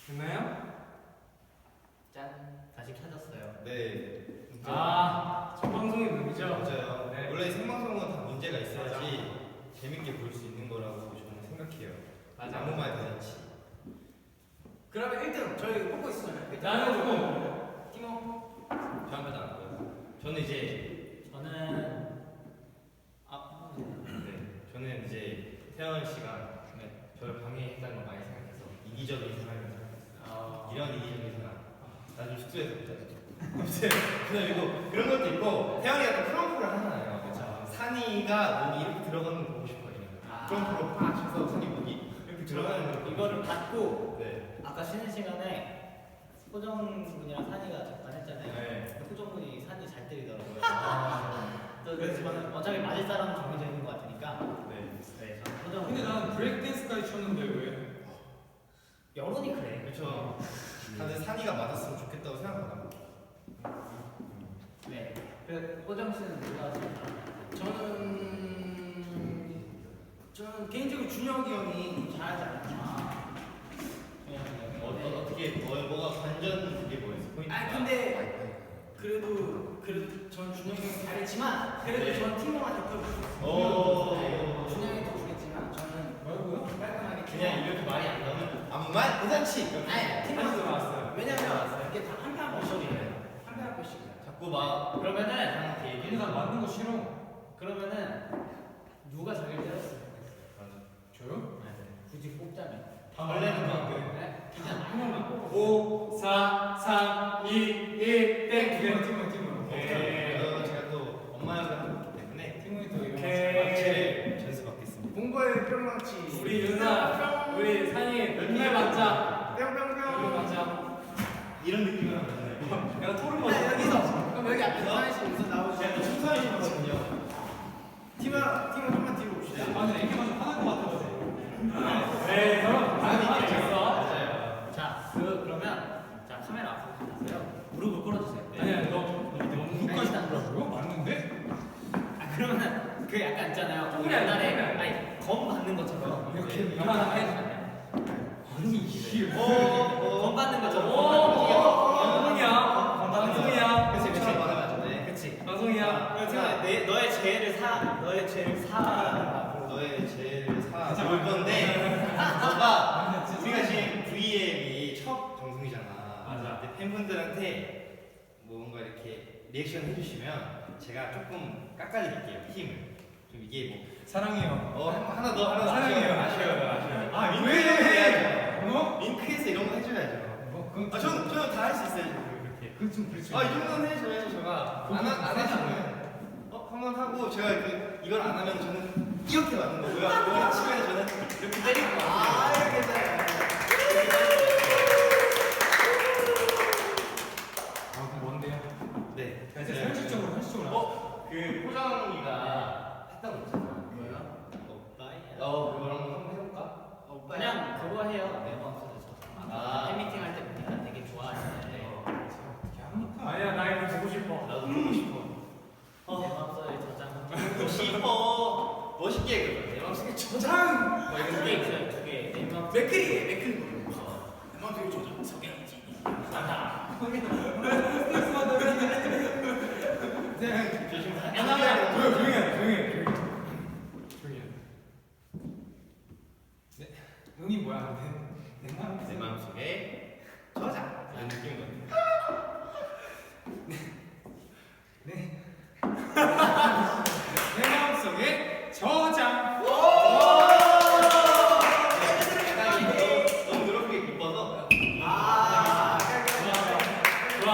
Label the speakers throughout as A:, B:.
A: 됐나요?
B: 짠, 다시 켜졌어요.
C: 네.
A: 첫 방송이 문제죠?
C: 맞아요.
A: 네.
C: 원래 생방송은 다 문제가 있어야지 재밌게 볼 수 있는 거라고 저는 생각해요.
A: 맞아.
C: 아무 말 대잔치.
B: 그러면 1등 저희 뽑고 있었잖아요.
A: 나는 조금
B: 티모.
C: 다음에도 안 보여요. 저는 이제 저는 이제 태연 씨가 저를 방해했다는 걸 많이 생각해서 이기적인 사람이라고 생각했어요. 이런 이기적인 사람. 나좀 숙소에서 보자. 아무튼 그리고 그런 것도 있고 태연이가 또 프롬프를 하잖아요. 그렇죠. 산이가 목이 이렇게 들어가는 거 보고 싶어요. 프롬프로 팍 쳐서 산이 목이 이렇게 들어가는 거.
B: 이거를 받고
C: 네.
B: 아까 쉬는 시간에 호정군이랑 산이가 잠깐 했잖아요.
C: 네.
B: 호정군이 산이 잘 때리더라고요. 또 그래서 저는 어차피 맞을 사람은 정해져 있는 것 같으니까.
C: 네.
B: 네, 저는 호정.
A: 근데 난 브레이크 댄스까지 쳤는데 왜?
B: 여론이 그래.
C: 그렇죠. 다들 산이가 맞았으면 좋겠다고 생각하나?
B: 네. 그 호정 씨는 누가 제일
D: 저는 개인적으로 준혁이 형이 잘하지 않나.
C: 어떻게 뭐가 관전 그게 뭐였어? 포인트.
D: 아 근데 그래도 전 준혁이 형이 잘했지만 그래도
C: 네.
D: 전 팀원한테 더
C: 오.
D: 준혁이 더 주겠지만 저는
A: 뭐라고요?
D: 깔끔하게
C: 그냥 이렇게 말이 안 나오면 아무 말 대잔치.
D: 아니 팀원한테
A: 나왔어요.
D: 왜냐면 이게 다 한 편 한 번씩이에요. 한 편 한 번씩이야.
C: 자꾸 막
B: 그러면은
C: 이렇게
A: 근데 난 맞는 거 싫어.
B: 그러면은 누가 자기를 때렸으면
A: 저요?
B: 좋겠어요. 굳이 뽑자면.
C: 원래는 막
B: 네? 그냥 한 명만 뽑아.
A: 5, 4, 3, 2, 1, 땡! 팀원.
C: 제가 또 엄마 역을 하고 있기 때문에
A: 팀원이 또 이런
C: 망치를 전수받겠습니다.
D: 공부의 뿅망치.
A: 우리 윤아, 우리 산이 맨날 맞자.
D: 뿅뿅뿅.
A: 맞자.
C: 이런 느낌으로 하면
A: 내가 토를
D: 네,
A: 먹어.
D: 여기서 그럼 여기 앞에 사인씨 우선 나오시죠.
C: 제가 또 춤사위거든요.
D: 팀원 좀만 뒤로 봅시다.
A: 아, 근데 이렇게 맞으면 화날 것 같아서. 네, 형.
C: 맞아요.
B: 자, 그러면 자 카메라 앞으로 가세요. 무릎을 꿇어주세요.
A: 아니야, 너무 끝까지 보라고요? 맞는데?
B: 아 그러면은 그 약간 있잖아요.
A: 조금이 아니라
B: 옛날에
A: 조금이
B: 아니 검 받는 것처럼
A: 이렇게
B: 이만한
A: 이만하게?
B: 해주잖아요.
A: 아니, 이게
B: 검 받는 것처럼.
A: 방송이야. 방송이야.
C: 그치 그치 말하면 안 돼.
B: 그치.
A: 방송이야.
B: 그래서 너의 죄를 너의 죄를
C: 너의 죄를 사볼 건데 너가 우리가 지금 VM이 첫 방송이잖아.
A: 맞아.
C: 근데 팬분들한테 뭔가 이렇게 리액션 해주시면 제가 조금 깎아드릴게요 힘을. 좀 이게 뭐
A: 사랑해요.
C: 하나 더
A: 사랑해요.
C: 아쉬워요.
A: 아,
C: 윙크해서 해야죠.
A: 뭐?
C: 윙크해서 이런 거 해줘야죠.
A: 뭐, 그건
C: 아 저는 다 할 수 있어요. 그렇게.
A: 그건 좀 그렇지.
C: 이 정도는 해줘야죠. 제가 안 해주면 한번 하고 제가 이걸 안 하면 저는 이렇게 맞는 거고요. 이걸 치면 저는 이렇게 때리는 거예요.
D: 아 이렇게 돼.
A: 아, 그럼 뭔데요?
C: 네.
A: 이제 현실적으로
C: 그 호정이가 했던 거 있잖아.
B: 뭐요?
C: 그거랑 한번 해볼까?
B: 그냥 그거 해요. 내 마음속에 저. 팬미팅 할 때 보니까 되게 좋아하시는데
A: 아니야, 나 이거 보고 싶어.
C: 나도 보고 싶어.
B: 내 마음속에 저장.
C: 보고 싶어. 멋있게 그거. 내 마음속에
D: 저장.
B: 두 개 있어요. 두 개. 내 마음.
D: 맥클이 내 마음속에 저장 석양이지. 네.
A: 조용히 해. 네. 응이 뭐야?
C: 내 마음속에 저장. 이런 느낌인 것 같아.
A: 네. 내 마음속에 저장.
C: 너무 노력하게 기뻐서.
A: 좋아.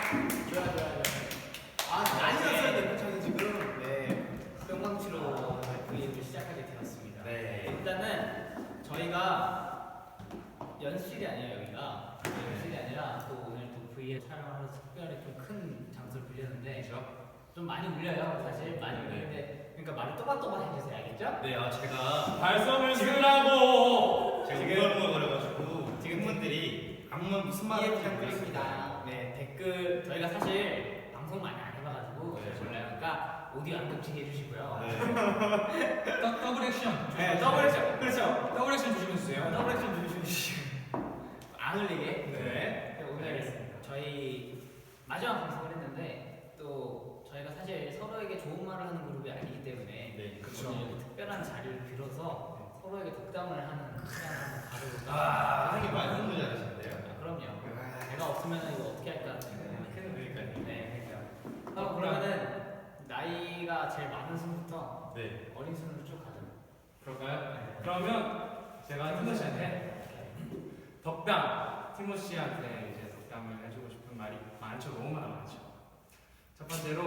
D: 많이 났어야 돼. 저는 지금.
B: 네. 뿅망치로 V를 시작하게 되었습니다.
C: 네.
B: 일단은 저희가 연습실이 아니에요 여기가. 연습실이 아니라 또 오늘 또 V에 촬영하면서 특별히 좀 큰 장소를 빌렸는데 좀 많이 울려요 사실 많이 울리는데 그러니까 말을 또박또박 해주세요 알겠죠?
C: 네, 제가
A: 발성을 쓰라고.
C: 제가 우글우글거려가지고 지금 분들이 아무 말 무슨 말을
B: 이해
C: 하는지 모르겠습니다.
B: 부탁드립니다. 네 댓글 저희가 사실 방송 많이 안 해봐가지고
C: 네.
B: 몰라요. 그러니까 오디오 안 겹치게 해주시고요.
C: 네.
A: 더블 액션.
B: 네, 더블 액션. 그렇죠.
A: 더블 액션 조심해 주세요.
B: 더블 액션 주시고 안 흘리게.
A: 네.
B: 오늘
A: 알겠습니다.
B: 저희 마지막 방송을 했는데 또 저희가 사실 서로에게 좋은 말을 하는 그룹이 아니기 때문에
C: 네,
A: 그쵸.
B: 오늘 이렇게 특별한 자리를 빌어서 서로에게 덕담을 하는 시간을 한번 가져볼까.
C: 선생님 많은 분이 잘하시는데요.
B: 그럼요. 제가 없으면 이거 어떻게 할까?
C: 그러니까요.
B: 네, 그러니까. 그러면은 나이가 제일 많은 순부터
C: 네.
B: 어린 순으로 쭉 가죠.
A: 그럴까요? 그러면 제가 티모 씨한테 덕담, 티모 씨한테 이제 덕담을 해주고 싶은 말이 많죠. 너무나 많죠. 첫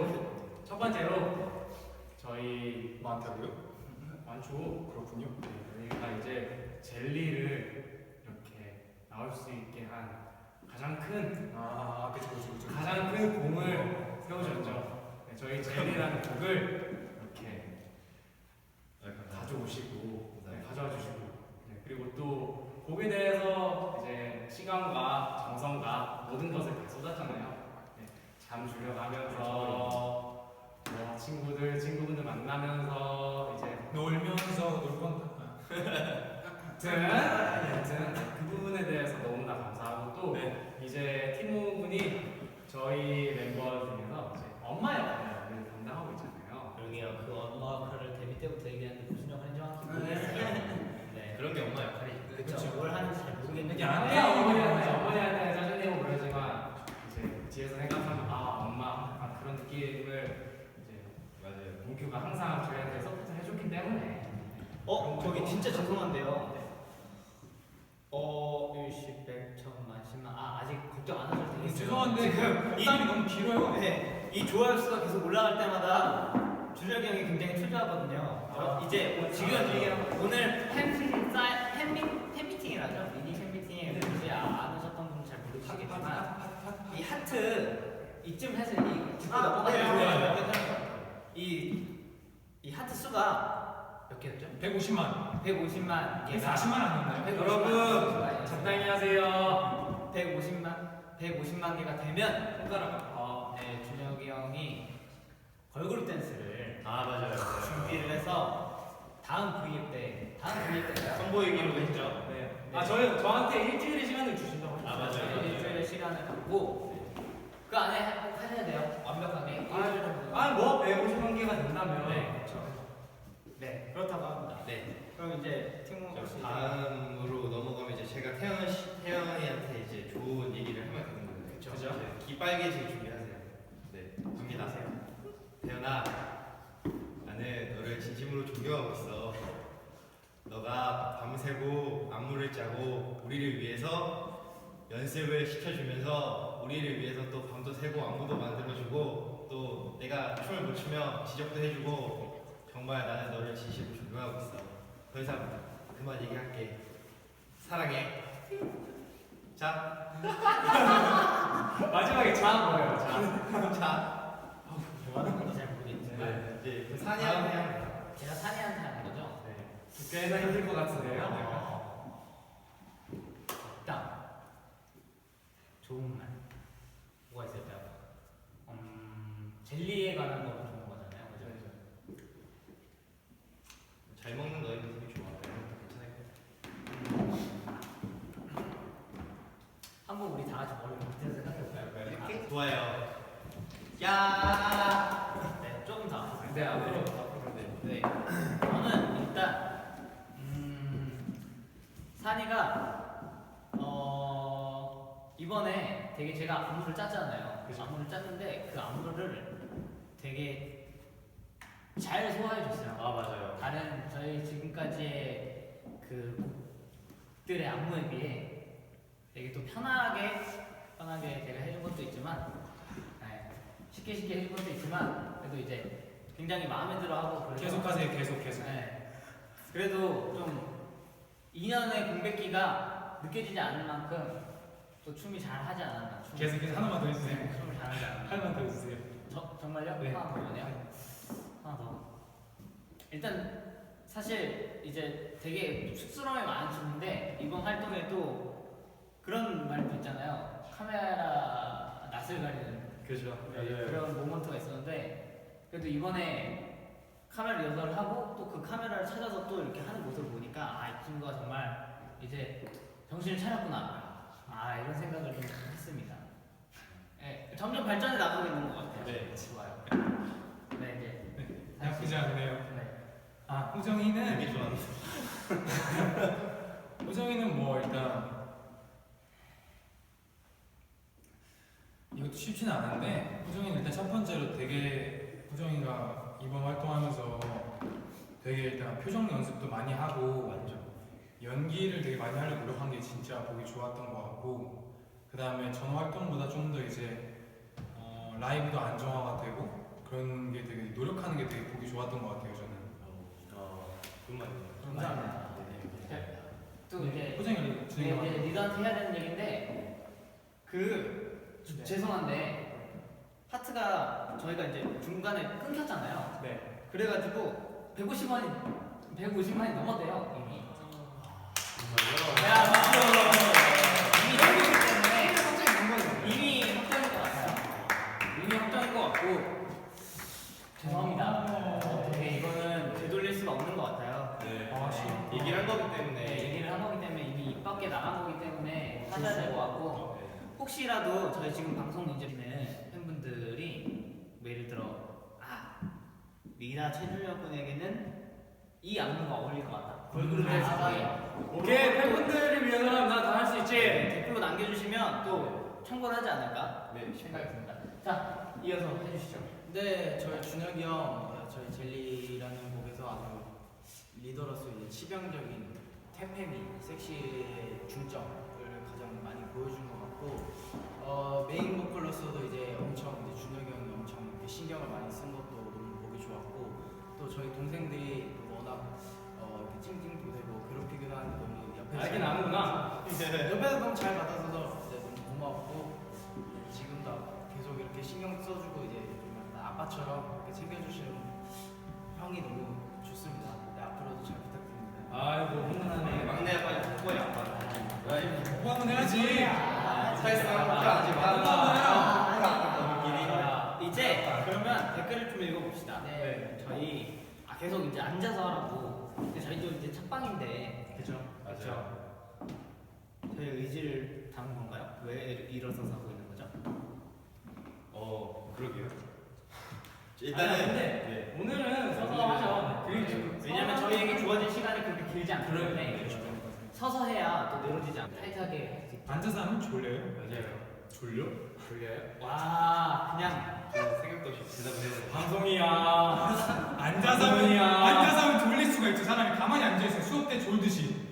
A: 번째로 저희
E: 많다고요?
A: 많죠.
E: 그렇군요.
A: 저희가 이제 젤리를 이렇게 나올 수 있게 한 가장 큰
E: 그쵸.
A: 가장 큰 공을 세우셨죠. 네, 저희 젤리라는 곡을 이렇게 가져오시고 가져와 주시고 그리고 또 곡에 대해서 이제 시간과 정성과 모든 것을 다 쏟았잖아요. 네, 잠 줄여가면서 뭐 친구분들 만나면서 이제
E: 놀면서 놀건
A: 여튼 그 부분에 대해서 너무나 감사하고 또 이제 티모 분이 저희 멤버 중에서 이제 엄마 역할을 담당하고 있잖아요.
B: 그러게요. 그 엄마 역할을 데뷔 때부터 얘기하는데 무슨 역할인지 정확히 모르겠어요. 네.
C: 그런 게 엄마 역할이죠.
B: 그렇죠. 뭘 하는지 잘 모르겠는데.
A: 어머니한테 짜증내고 그러지만 이제 뒤에서 생각하면 엄마 그런 느낌을 이제
C: 맞아요.
A: 문규가 항상 저희한테 서포트를 해줬기 때문에
B: 저기 진짜 죄송한데요. 일십, 백, 천만, 십만. 아직 걱정 안 하셔도 되겠어요.
E: 죄송한데 그 덕담이 너무 길어요.
B: 네, 이 좋아요 수가 계속 올라갈 때마다 준혁이 형이 굉장히 초조하거든요. 이제 지금 오늘 팬미팅이라죠. 미니 팬미팅에 혹시 안 오셨던 분은 잘 모르시겠지만 이 하트 이쯤 해서 이 짚고 넘어가요. 이 하트 수가 몇 개였죠?
E: 150만.
B: 150만 개가
E: 40만 아니었나요?
A: 여러분 적당히 하세요.
B: 150만 개가 되면 손가락 준혁이 형이 걸그룹 댄스를
C: 맞아요.
B: 준비를 해서 다음 V앱 때인가요?
C: 선보이기로 했죠.
A: 네. 저한테 일주일의 시간을 주신다고 했죠.
C: 맞아요.
B: 일주일의 시간을 갖고 그 안에 꼭 하셔야 돼요. 완벽하게. 일주일 정도.
A: 뭐 150만 개가 된다면
B: 네, 그렇다고 합니다.
C: 네.
B: 그럼 이제 팀 혹시
C: 다음으로 넘어가면 이제 제가 태연이한테 이제 좋은 얘기를 하면 되는 거예요.
B: 그쵸.
C: 이제 귀 빨개지게 준비하세요. 네. 준비하세요. 태연아, 나는 너를 진심으로 존경하고 있어. 너가 밤새고 안무를 짜고 우리를 위해서 연습을 시켜주면서 우리를 위해서 또 밤도 새고 안무도 만들어주고 또 내가 춤을 못 추면 지적도 해주고 정말 나는 너를 진심으로 존경하고 있어. 더 이상 그만 얘기할게. 사랑해. 자.
A: 마지막에 자 뭐예요? 자.
C: 자.
B: 뭐 하는 건지 잘 모르겠지만
C: 이제 그 사니한테 하는 거야.
B: 제가 산이한테 하는 거죠?
A: 꽤나 힘들 것 같은데요.
B: 덕담 좋은 말 뭐가 있을까요? 젤리에 관한 거로 좋은 거잖아요, 그죠?
C: 잘 먹는 너의 모습이 좋아. 괜찮을 것
B: 한번 우리 다 같이 머리 밑에서 생각해볼까요?
C: 같아. 좋아요. 야.
B: 네, 조금 더.
A: 네, 앞으로.
B: 네. 저는 일단 산이가 이번에 되게 제가 안무를 짰잖아요.
A: 그죠.
B: 안무를 짰는데 그 안무를 되게 잘 소화해줬어요.
C: 맞아요.
B: 다른 저희 지금까지의 그 곡들의 안무에 비해 되게 또 편하게 제가 해준 것도 있지만 쉽게 해준 것도 있지만 그래도 이제 굉장히 마음에 들어하고 그래서
E: 계속하세요. 계속.
B: 네. 그래도 좀 2년의 공백기가 느껴지지 않을 만큼 또 춤이 잘 하지 않았나.
E: 계속 하나만 더 해주세요.
B: 춤을 잘 하지 않았나.
E: 하나만 더 해주세요.
B: 정말요?
E: 네.
B: 하나 더 뭐네요? 하나 더. 일단 사실 이제 되게 쑥스러움이 많은 춤인데 이번 활동에 또 그런 말도 있잖아요. 카메라 낯을 가리는
A: 그죠.
B: 그런 모먼트가 있었는데 그래도 이번에 카메라 리허설을 하고 또 그 카메라를 찾아서 또 이렇게 하는 모습을 보니까 이 친구가 정말 이제 정신을 차렸구나. 이런 생각을 좀 했습니다. 네, 점점 발전해 나가고 있는 것 같아요.
C: 네.
B: 좋아요. 네, 이제
E: 나쁘지 않네요.
B: 네.
E: 호정이는
C: 되게 좋아하는.
E: 호정이는 뭐 일단 이것도 쉽지는 않은데 호정이는 일단 첫 번째로 되게 호정이가 이번 활동하면서 되게 일단 표정 연습도 많이 하고
C: 완전.
E: 연기를 되게 많이 하려고 노력한 게 진짜 보기 좋았던 것 같고 그 다음에 전 활동보다 좀 더 이제 라이브도 안정화가 되고 그런 게 되게 노력하는 게 되게 보기 좋았던 것 같아요 저는.
C: 그런 말이에요.
B: 감사합니다.
C: 네.
B: 또 이제
E: 호정이를 진행해
B: 이제 리더한테 해야 되는 얘기인데
D: 네.
B: 죄송한데 파트가 저희가 이제 중간에 끊겼잖아요.
A: 네.
B: 그래가지고 150만이 넘었대요 이미.
C: 정말요?
B: 야 박수. 이미 넘겼기 때문에
D: 갑자기 된 거예요.
B: 이미 확정인 것 같아요. 이미 확정인 것 같고 죄송합니다. 어떻게 이거는 되돌릴 수가 없는 것 같아요.
C: 네.
E: 아쉬워.
C: 얘기를 한 거기
B: 네,
C: 때문에.
B: 얘기를 한 거기 때문에 이미 입 밖에 나간 거기 때문에 하셔야 될 것 같고 혹시라도 저희 지금 방송 이제 보는 팬분들이 뭐 예를 들어 리나 최준혁 군에게는 이 안무가 어울릴 것 같다. 걸그룹 댄스
A: 오케이, 팬분들을 위해서는 난 다 할 수 있지.
B: 댓글로 남겨주시면 또 참고를 하지 않을까
C: 네.
B: 생각이 듭니다. 자, 이어서 해주시죠.
D: 네, 저희 준혁이 형, 저희 젤리라는 곡에서 아주 리더로서 이제 치명적인 태페미, 섹시의 중점을 가장 많이 보여준 것 같고, 메인 보컬로서도 이제 엄청 이제 준혁이 형이 엄청 이렇게 신경을 많이 쓴 것도 너무 보기 좋았고, 또 저희 동생들이 또 워낙 이렇게 찡찡도 되고 괴롭히기도 하는데 너무 옆에서
A: 알긴 아는구나.
D: 옆에서 너무 잘 받아줘서 이제 너무 고맙고 지금도 계속 이렇게 신경 써주고 이제 좀 약간 아빠처럼 이렇게 챙겨주시는 형이 너무 좋습니다. 네, 앞으로도 잘 부탁드립니다.
A: 아이고, 훈훈하네.
C: 막내 아빠, 뽀뽀의 아빠.
E: 뭐 한번 해야지.
B: 이제 그러면 댓글을 좀 읽어봅시다.
D: 네.
B: 저희 계속 이제 앉아서 하라고. 근데 저희도 이제 첫방인데
D: 그죠?
C: 맞아요.
B: 저희 의지를 담은 건가요? 왜 일어서서 하고 있는 거죠?
C: 그러게요.
A: 아니, 근데 오늘은 서서 하죠.
B: 왜냐면 저희에게 주어진 시간이 그렇게 길지 않기 때문에 서서 해야 또 늘어지지 않고 타이트하게 할 수 있죠.
E: 앉아서 하면 졸려요.
C: 맞아요.
A: 졸려?
B: 졸려요? 와 그냥
C: 생각도 없이 대답을 해요.
A: 방송이야.
E: 앉아서 하면 졸릴 수가 있죠. 사람이 가만히 앉아 있어. 수업 때 졸듯이.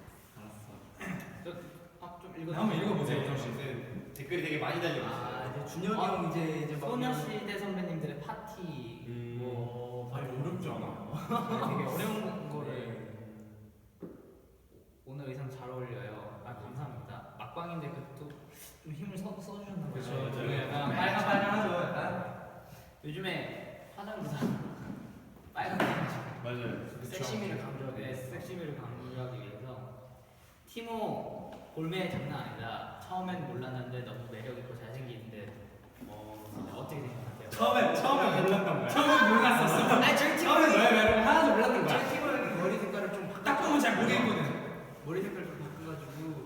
B: 좀 읽어.
E: 한번 읽어보세요,
C: 네,
E: 호정 씨.
C: 저는 댓글이 되게 많이 달리고 있어요.
D: 이제 준혁이 형 이제 막
B: 소녀시대 선배님들의 파티
A: 아니, 어렵지 않아.
B: 되게 어려운 거를 오늘 의상 잘 어울려요. 감사합니다. 막방인데 그래도 좀 힘을 써주셨나 봐요.
A: 그렇죠.
C: 맞아요.
A: 저는 약간 빨간빨간하죠. 약간.
B: 요즘에 화장도 다 빨갛게 해가지고
C: 맞아요.
D: 섹시미를 강조하기
B: 네,
D: 위해서.
B: 섹시미를 강조하기 위해서 티모 볼매 장난 아니다. 처음엔 몰랐는데 너무 매력 있고 잘생기는데 어떻게 생각하세요?
A: 처음에 몰랐던 거야. 처음에 몰랐었어.
D: 아니 저희
A: 처음에
D: 팀은
A: 너의 매력을 하나도 몰랐던 거야.
D: 저희 팀은 머리 색깔을 좀
E: 딱 보면 잘 모르겠거든.
D: 머리 색깔 좀 바꿔가지고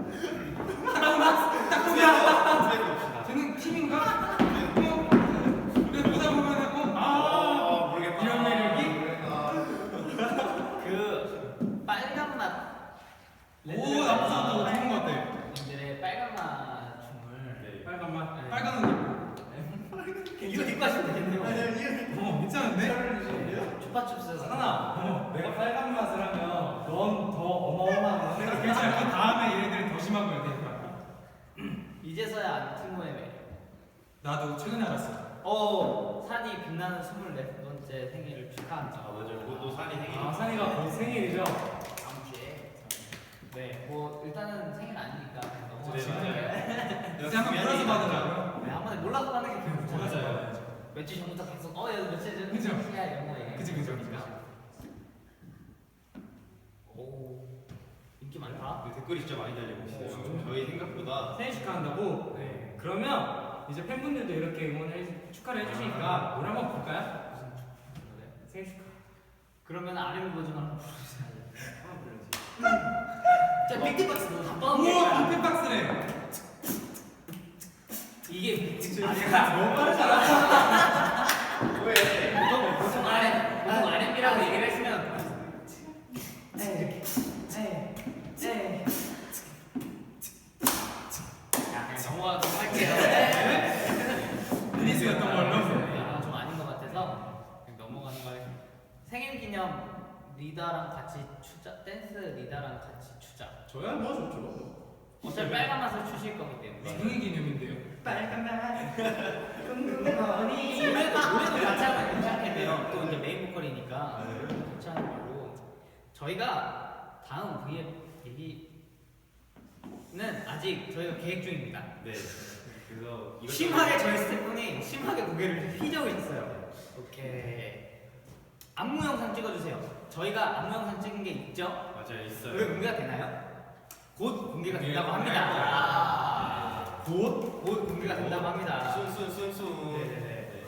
E: 쟤는 팀인가? 그래서 보다 보면은
C: 모르겠다.
E: 이런 매력이?
B: 그 빨간 맛
E: 오 나쁘지 않다. 좋은 것 같아.
B: 님들의 빨간 맛 춤을
C: 네.
A: 빨간 맛.
B: 네.
E: 빨간 옷 입고.
B: 이거 입고 하시면 되겠네요.
E: 괜찮은데?
B: 초파춥스
A: 하나, 내가 빨간 맛을 하면 넌 더 어마어마한 거.
E: 괜찮아. 그 다음에 얘네들은 더 심한 거야 되니까.
B: 이제서야 티모의 매력.
E: 나도 최근에 알았어.
B: 산이 빛나는 24번째 생일을 축하합니다.
C: 맞아요. 그것도 산이 생일이.
A: 산이가 곧 생일이죠.
D: 다음 주에
B: 네, 뭐 일단은 생일 아니니까 그냥
C: 네,
B: 넘어가시면
C: 맞아요.
B: 돼요.
E: 이제 한번 몰아서 받으라고요.
B: 네, 한 번에 몰라서 가는 게 기분 좋아요.
C: 맞아요.
B: 며칠 전부터 계속 얘 며칠 전
E: 그죠?
B: 생일이야 이런 거 얘기해.
E: 그죠.
B: 오, 인기 많다.
C: 댓글이 진짜 많이 달리고 있어요. 저희 생각보다.
A: 생일 축하한다고?
C: 네.
A: 그러면 이제 팬분들도 이렇게 축하를 해주시니까 노래 한번 볼까요?
B: 무슨 노래?
A: 생일 축하.
B: 그러면 아림 버전 한번 부르세요.
C: 하나 불러주세요.
B: 자, 빅티박스 너
E: 우와 빅박스네.
A: 너무 빠르잖아.
C: 왜?
B: 보통 R&B라고 얘기를 했으면 야, 그냥 넘어가도록 할게요.
E: 리스였던 걸로.
B: 좀 아닌 것 같아서 그냥 넘어가는 거예요. 생일 기념 리더랑 같이 추자, 댄스 리더랑 같이 추자.
A: 저야 뭐 좋죠.
B: 어차피 빨간 맛을 추실 거기 때문에.
E: 생일 기념인데요.
B: 노래도 같이 하면 괜찮겠네요. 또 이제 메인 보컬이니까 같이 하는 걸로. 저희가 다음 V앱 얘기는 아직 저희가 계획 중입니다.
C: 네. 그래서 이것저것-
B: 심하게 저희 스태프분이 심하게 고개를 휘저고 있어요. 오케이. 안무 영상 찍어주세요. 저희가 안무 영상 찍은 게 있죠?
C: 맞아요, 있어요.
B: 왜 공개가 되나요? 곧 공개가 된다고
C: 공개가
B: 합니다. 곧 공개가 된다고 합니다.
C: 순순순순.
B: 네네네.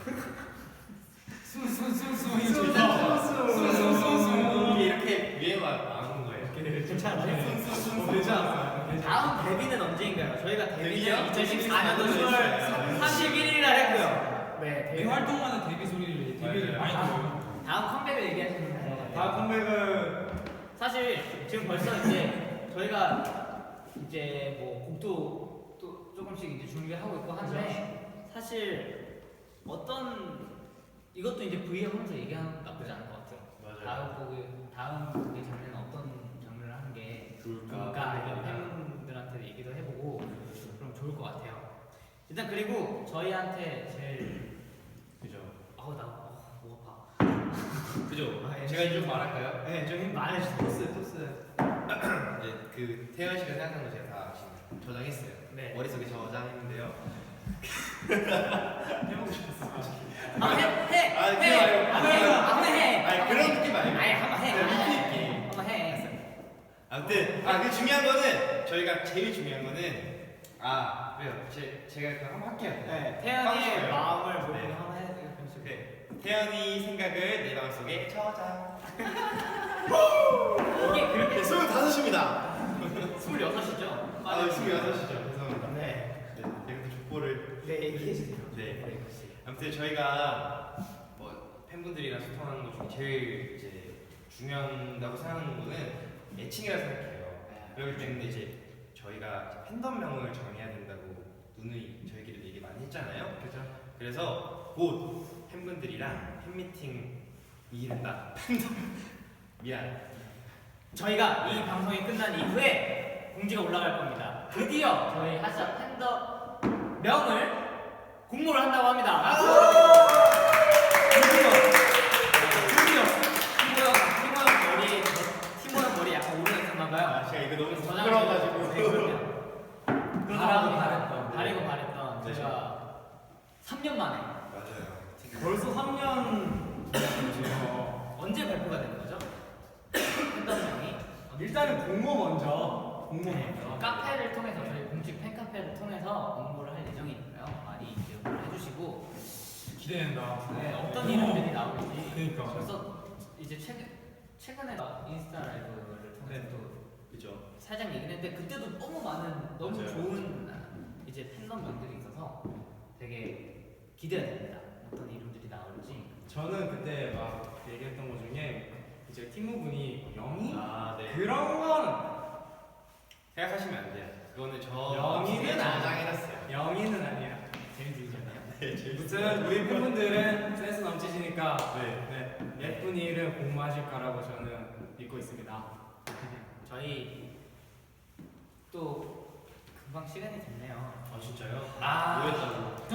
C: 이게 이렇게 유행어 나오는 거예요.
B: 괜찮아요.
A: 되지 않았어요?
B: 다음 데뷔는 언제인가요? 저희가
C: 데뷔요?
B: 데뷔는 2024년도 10월 31일 날 했고요. 네,
E: 매 활동마다 데뷔를 많이 들어요.
B: 다음 컴백을 얘기하시는 거예요.
A: 다음 컴백은
B: 사실 지금 벌써 이제 저희가 이제 뭐 곡도 또 조금씩 이제 준비하고 있고 한데 사실 어떤 이것도 이제 V앱 하면서 얘기하는 건 나쁘지 않은 것 같아요. 다음 곡의 장르는 어떤 장르를 하는 게 좋을까 이런 팬분들한테 얘기도 해보고 그럼 좋을 것 같아요. 일단 그리고 저희한테 제일
C: 그죠.
B: 목 아파.
C: 그죠.
B: 아, 예.
C: 제가 이제 좀 말할까요?
B: 네, 좀 말해주세요.
D: 토스.
C: 이제 그 태연 씨가 생각한 거 제가 다 지금 저장했어요.
B: 네.
C: 머릿속에 저장했는데요.
B: 한번 해.
C: 아, 그거
B: 한번 해.
C: 아니 그런 느낌 말고.
B: 아니 한번 해.
C: 느낌.
B: 한번 해.
C: 아무튼 그 중요한 거는 저희가 제일 중요한 거는 왜요? 제가 그럼 한번 할게요.
B: 네, 태연이의
C: 하고 싶어요.
B: 마음을
C: 네.
B: 모르고 한번 해주세요.
C: 네. 태연이 생각을 내 마음속에 저장.
B: 이게 그렇게
C: 25입니다.
B: 26이죠?
C: 26이죠. 죄송합니다.
B: 네.
C: 네, 제가 또 족보를.
B: 네, 얘기해주세요.
C: 네. 아무튼 저희가 뭐 팬분들이랑 소통하는 것 중에 제일 이제 중요하다고 생각하는 거는 애칭이라고 생각해요. 그렇기 때문에 이제 저희가 이제 팬덤명을 정해야 된다고 누누이 저희끼리 얘기 많이 했잖아요.
A: 그죠?
C: 그래서 곧 팬분들이랑 팬미팅이 이른다. 팬덤 미안.
B: 저희가 이 방송이 끝난 이후에 공지가 올라갈 겁니다. 드디어 저희 하샤 팬더 명을 공모를 한다고 합니다. 드디어 티모 형 머리 약간 오르냈었나봐요.
C: 제가 이거 너무
B: 저장을
C: 부끄러워가지고.
B: 네, 그럼요. 바라고 바랬던
C: 네.
B: 제가 3년 만에
C: 맞아요.
A: 벌써 3년
B: 언제 발표가 되는 거죠? 팬덤명이
A: 일단은 공모 먼저.
B: 카페를 통해서 저희 공식 팬카페를 통해서 공모를 할 예정이니까요. 많이 기억을 해주시고
E: 기대된다.
B: 네, 어떤 이름들이 나올지
E: 그러니까.
B: 벌써 이제 최근에 인스타 라이브를 통해서 또
C: 그죠.
B: 살짝 얘기를 했는데 그때도 너무 많은 너무
C: 맞아요.
B: 좋은 이제 팬덤명들이 있어서 되게 기대가 됩니다. 어떤 이름들이 나올지.
A: 저는 그때 막 얘기했던 것 중에 이제 티무 분이 영희?
C: 네.
A: 그런 건
C: 생각하시면 안 돼요. 그거는
A: 영희는
C: 저장해놨어요.
A: 영희는 아니야. 재밌으시잖아요.
C: 네, 재밌어요.
A: 아무튼 우리 팬분들은 센스 넘치시니까
C: 네.
A: 예쁜 이름 공모하실 거라고 저는 믿고 있습니다.
B: 저희 또 금방 시간이 됐네요.
C: 진짜요?
A: 아.
C: 뭐였다고?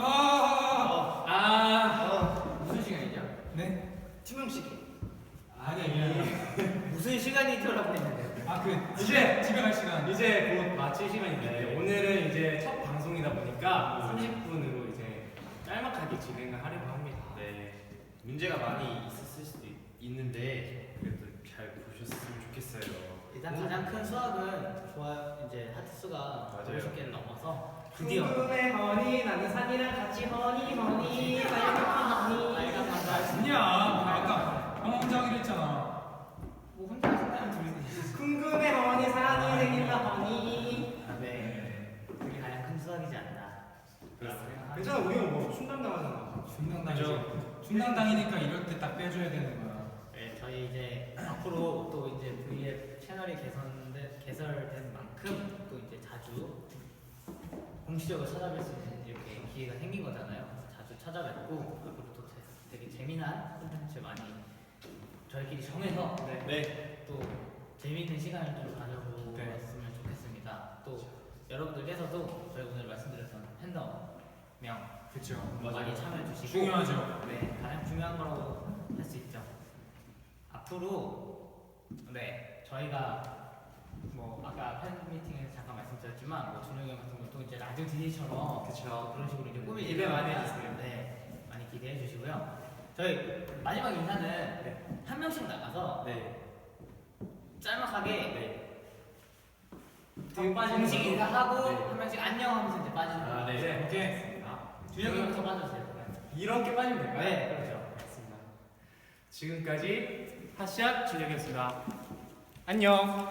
B: 무슨 시간이죠?
E: 네?
B: 팀음식.
E: 아니.
B: 무슨 시간이죠라고 했는데.
A: 이제
E: 집에 갈 시간.
A: 이제 곧 마칠 시간인데
C: 네.
A: 오늘은 이제 첫 방송이다 보니까 30분으로 이제 짤막하게 진행을 하려고 합니다.
C: 네. 문제가 많이 있었을 수도 있는데 그래도 잘 보셨으면 좋겠어요.
B: 일단 가장 큰 수학은 이제 하트 수가
C: 맞아요.
B: 50개를 넘어서 드디어
A: 궁금해 허니 나는 산이랑 같이 허니
B: 빨간 만다.
E: 아니야. 아까 형 혼자 하기로 했잖아.
B: 뭐 혼자 하신다면 둘이.
A: 궁금해 허니 산이 생긴다 허니.
B: 네. 그게 가장 큰 수학이지 않나.
C: 그렇습니다.
A: 괜찮아
C: 괜찮아, 우리가 뭐 충당당하잖아.
E: 충당당이니까 이럴 때 딱 빼줘야 되는 거야.
B: 네, 저희 이제 앞으로 또 이제 V앱 채널이 개설된 만큼 또 이제 자주 공식적으로 찾아뵐 수 있는 이렇게 기회가 생긴 거잖아요. 자주 찾아뵙고 앞으로 또 되게 재미난 콘텐츠 많이 저희끼리 정해서 또 재미있는 시간을 좀 가져보았으면 좋겠습니다. 또 여러분들께서도 저희 오늘 말씀드렸던 팬덤명
E: 그렇죠.
B: 많이 참여해 주시고
E: 중요하죠.
B: 네, 가장 중요한 거라고 할 수 있죠. 앞으로 저희가 뭐 아까 팬 미팅에서 잠깐 말씀드렸지만 뭐 준혁이 형 같은 것도 이제 라디오 DJ처럼
A: 그쵸.
B: 그런 식으로 이제 꾸밀
A: 기대 많이
B: 예정이니까
A: 해주세요.
B: 네, 많이 기대해 주시고요. 저희 마지막 인사는 한 명씩 나가서 짤막하게 공식 인사하고 한 명씩 안녕하면서 이제 빠지는 거예요.
E: 오케이.
B: 준혁이 형부터 빠져주세요.
A: 이렇게 빠지면 될까요?
B: 네, 그렇죠.
A: 알겠습니다. 지금까지 핫샷 준혁이었습니다. 안녕.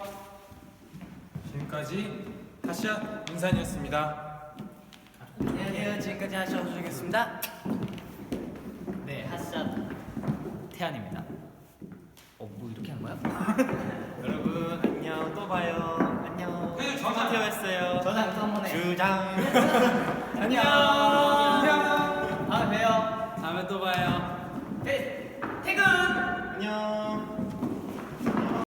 E: 지금까지 핫샷 인산이었습니다.
D: 안녕하세요. 지금까지 하셔서 주겠습니다.
B: 네, 핫샷 태안입니다. 뭐 이렇게 한 거야?
C: 여러분 안녕, 또 봐요. 안녕. 태웠어요.
B: 저장 또 한 번 해.
C: 주장.
B: 안녕. 다음에 봬요.
D: 다음에 또 봐요.